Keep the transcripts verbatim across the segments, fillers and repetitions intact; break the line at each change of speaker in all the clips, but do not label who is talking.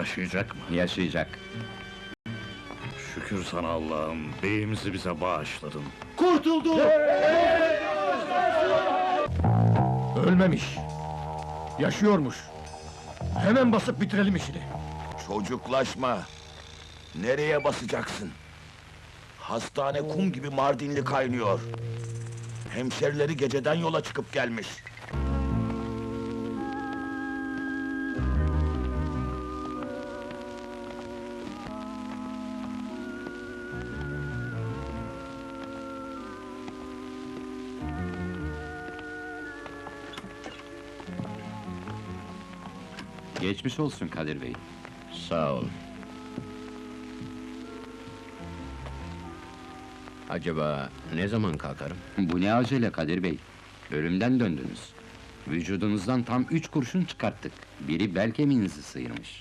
yaşayacak mı?
Yaşayacak.
Şükür sana Allah'ım, beyimizi bize bağışladın.
Kurtuldu!
Ölmemiş. Yaşıyormuş. Hemen basıp bitirelim işini.
Çocuklaşma! Nereye basacaksın? Hastane kum gibi Mardinli kaynıyor. Hemşerileri geceden yola çıkıp gelmiş.
Geçmiş olsun Kadir Bey.
Sağ ol. Acaba ne zaman kalkarım?
Bu ne acele Kadir Bey? Ölümden döndünüz. Vücudunuzdan tam üç kurşun çıkarttık. Biri bel kemiğinizi sıyırmış.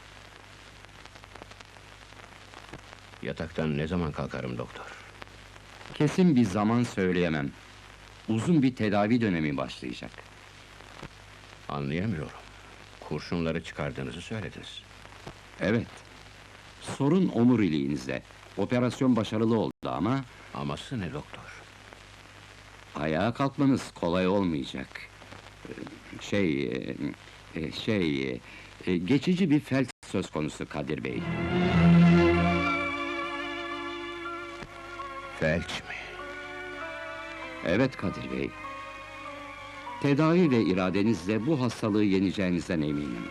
Yataktan ne zaman kalkarım doktor?
Kesin bir zaman söyleyemem. Uzun bir tedavi dönemi başlayacak.
Anlayamıyorum. Kurşunları çıkardığınızı söylediniz.
Evet. Sorun omuriliğinizde. Operasyon başarılı oldu ama
Aması ne doktor?
ayağa kalkmanız kolay olmayacak. Ee, Şey, e, e, şey, e, geçici bir felç söz konusu Kadir Bey.
Felç mi?
Evet Kadir Bey. Tedavi ve iradenizle bu hastalığı yeneceğinizden eminim.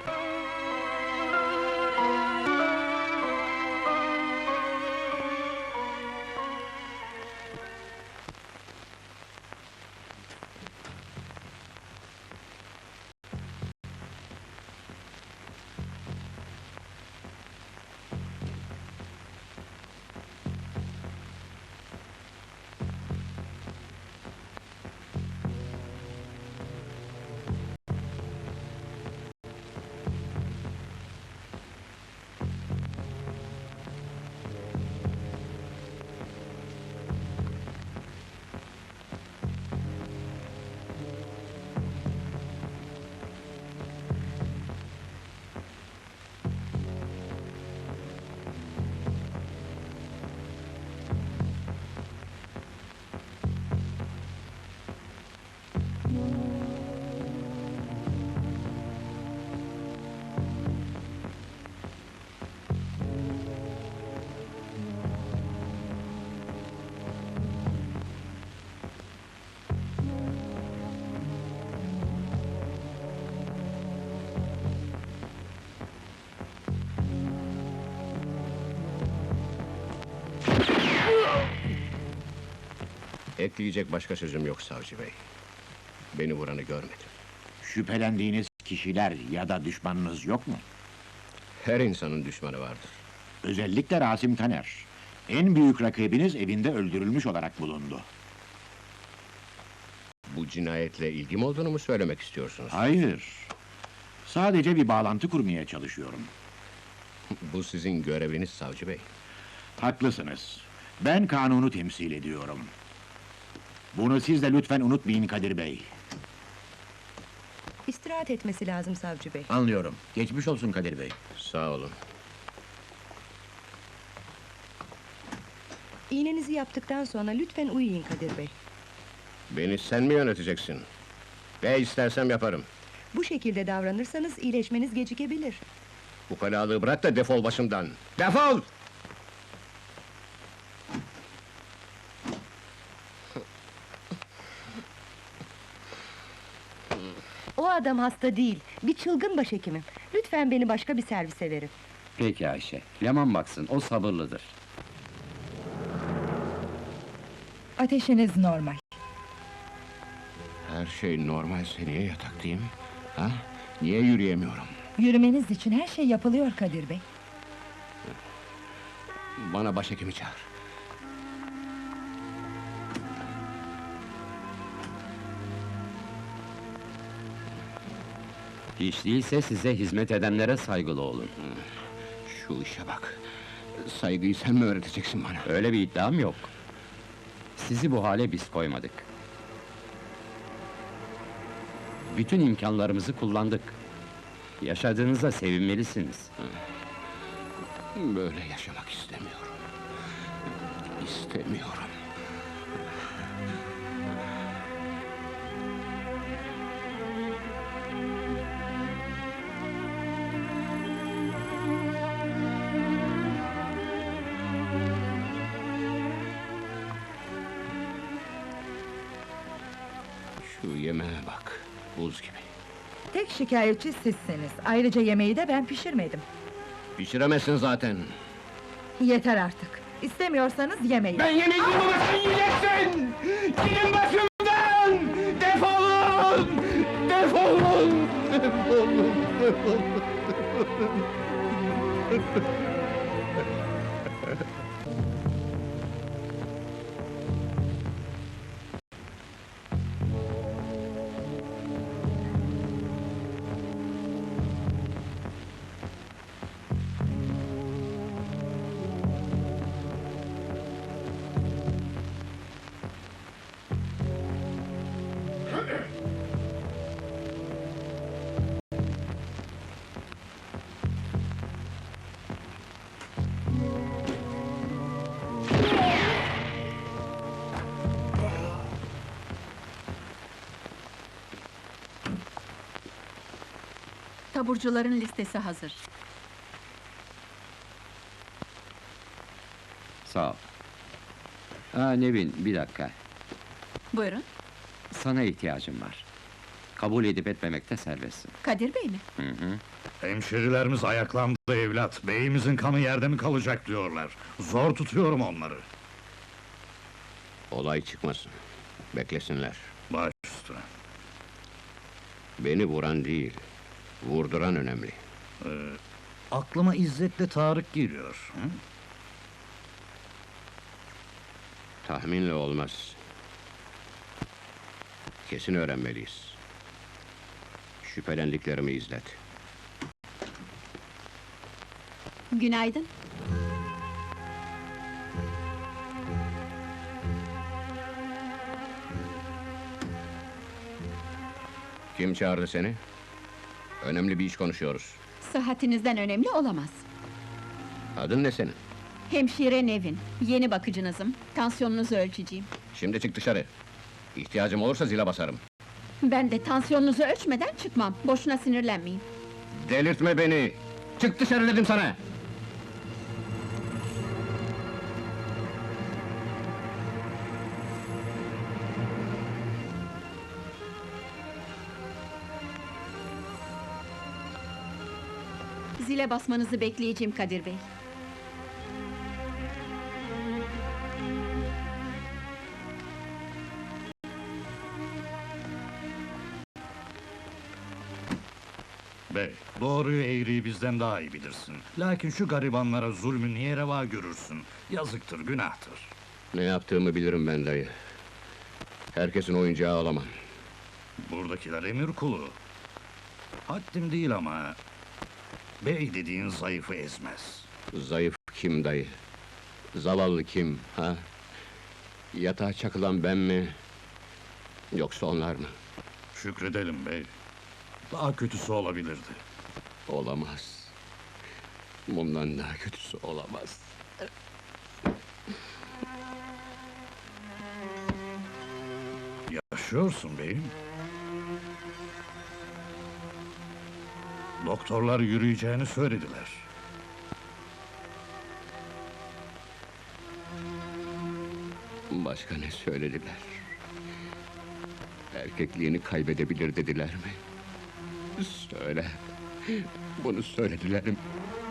Ekleyecek başka sözüm yok savcı bey. Beni vuranı görmedim.
Şüphelendiğiniz kişiler ya da düşmanınız yok mu?
Her insanın düşmanı vardır.
Özellikle Rasim Taner. En büyük rakibiniz evinde öldürülmüş olarak bulundu.
Bu cinayetle ilgim olduğunu mu söylemek istiyorsunuz?
Hayır. Sadece bir bağlantı kurmaya çalışıyorum.
Bu sizin göreviniz savcı bey.
Haklısınız. Ben kanunu temsil ediyorum. Bunu siz de lütfen unutmayın Kadir Bey.
İstirahat etmesi lazım savcı bey.
Anlıyorum. Geçmiş olsun Kadir bey. Sağ olun.
İğnenizi yaptıktan sonra lütfen uyuyun Kadir bey.
Beni sen mi yöneteceksin? Ne istersem yaparım.
Bu şekilde davranırsanız iyileşmeniz gecikebilir.
Ukalalığı bırak da defol başımdan. Defol!
O adam hasta değil, bir çılgın başhekimim. Lütfen beni başka bir servise verin.
Peki Ayşe, Leman baksın, o sabırlıdır.
Ateşiniz normal.
Her şey normalse niye yataktayım? Ha? Niye yürüyemiyorum?
Yürümeniz için her şey yapılıyor Kadir Bey.
Bana başhekimi çağır.
Hiç değilse size hizmet edenlere saygılı olun.
Şu işe bak! Saygıyı sen mi öğreteceksin bana?
Öyle bir iddiam yok. Sizi bu hale biz koymadık. Bütün imkanlarımızı kullandık. Yaşadığınıza sevinmelisiniz.
Böyle yaşamak istemiyorum. İstemiyorum. Şu yemeğe bak, buz gibi.
Tek şikayetçi sizsiniz. Ayrıca yemeği de ben pişirmedim.
Pişiremezsin zaten.
Yeter artık. İstemiyorsanız yemeyin.
Ben yemeyeceğim ama sen yiyeceksin! Gidin başımdan! Defolun! Defolun! Defolun! Defolun!
Taburcuların listesi hazır.
Sağ ol. Ha Nevin, bir dakika.
Buyurun,
Sana ihtiyacım var. Kabul edip etmemekte serbestsin.
Kadir Bey mi?
Hı hı.
Hemşerilerimiz ayaklandı evlat. Beyimizin kanı yerde mi kalacak diyorlar. Zor tutuyorum onları.
Olay çıkmasın. Beklesinler.
Baş üstüne.
Beni vuran değil, vurduran önemli.
Aklıma İzzet'le Tarık geliyor. Hı?
Tahminle olmaz. Kesin öğrenmeliyiz. Şüphelendiklerimi izlet.
Günaydın.
Kim çağırdı seni? Önemli bir iş konuşuyoruz.
Sıhhatinizden önemli olamaz.
Adın ne senin?
Hemşire Nevin, yeni bakıcınızım. Tansiyonunuzu ölçeceğim.
Şimdi çık dışarı. İhtiyacım olursa zile basarım.
Ben de tansiyonunuzu ölçmeden çıkmam. Boşuna sinirlenmeyin.
Delirtme beni! Çık dışarı dedim sana!
Zile basmanızı bekleyeceğim Kadir Bey.
Bey, doğruyu eğriyi bizden daha iyi bilirsin. Lakin şu garibanlara zulmü niye reva görürsün? Yazıktır, günahtır.
Ne yaptığımı bilirim ben dayı. Herkesin oyuncağı olamam.
Buradakiler emir kulu. Haddim değil ama... Bey dediğin zayıfı ezmez.
Zayıf kim dayı? Zavallı kim, ha? Yatağa çakılan ben mi? Yoksa onlar mı?
Şükredelim bey. Daha kötüsü olabilirdi.
Olamaz. Bundan daha kötüsü olamaz.
Yaşıyorsun beyim. Doktorlar yürüyeceğini söylediler.
Başka ne söylediler? Erkekliğini kaybedebilir dediler mi? Söyle. Bunu söylediler mi?